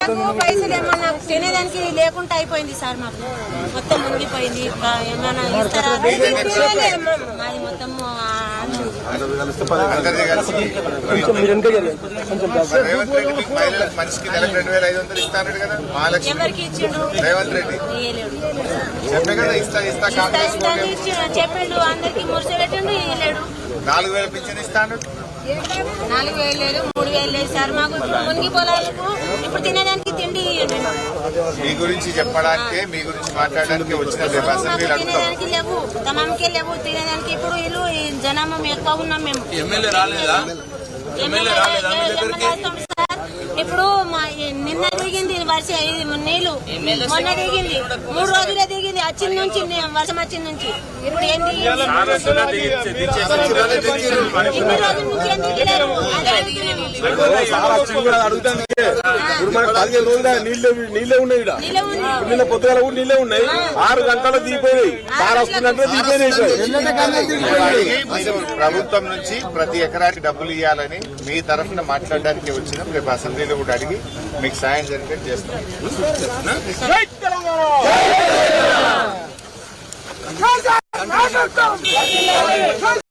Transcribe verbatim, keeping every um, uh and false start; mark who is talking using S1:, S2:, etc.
S1: పైసలు ఏమన్నా తినేదానికి లేకుండా అయిపోయింది సార్. మాకు మొత్తం మునిగిపోయింది. ఏమన్నా ఇస్తారా? మాది మొత్తం ఎవరికి ఇచ్చిండు చెప్పిండు. అందరికి మురిసి పెట్టిండు. ఇయ్యలేడు.
S2: నాలుగు వేల పింఛన్ ఇస్తాను.
S1: నాలుగు వేలు లేదు, మూడు వేలు లేదు సార్. మాకు ఇప్పుడు మునిగి పొలాలకు ఇప్పుడు తినేదానికి తిండి
S2: మీ గురించి చెప్పడానికి మీ గురించి మాట్లాడడానికి వచ్చిన
S1: తినేదానికి లేవు, తమాంకే లేవు తినేదానికి. ఇప్పుడు వీళ్ళు జనాభా ఎక్కువ ఉన్నాం మేము.
S3: ఎమ్మెల్యే రాలేదా?
S1: ఇప్పుడు మా నిన్న దిగింది వర్ష నీళ్లు, మొన్న దిగింది మూడు రోజులే దిగింది. వచ్చిన నుంచి వర్షం వచ్చిన నుంచి ఇప్పుడు ఏంటి ఇన్ని రోజుల నుంచి ఏం దిగలేరు.
S4: పదిహేను రోజులు నీళ్ళే ఉన్నాయి. నిన్న పొద్దుగాల కూడా నీళ్ళే ఉన్నాయి. ఆరు గంటలు దిగిపోయినాయి. సార్ వస్తున్నట్టు దిగిపోయినాయి.
S2: ప్రభుత్వం నుంచి ప్రతి ఎకరానికి డబ్బులు ఇవ్వాలని మీ తరఫున మాట్లాడడానికి వచ్చినాం. రేపు అసెంబ్లీలో కూడా అడిగి మీకు సాయం జరిగేది చేస్తాం.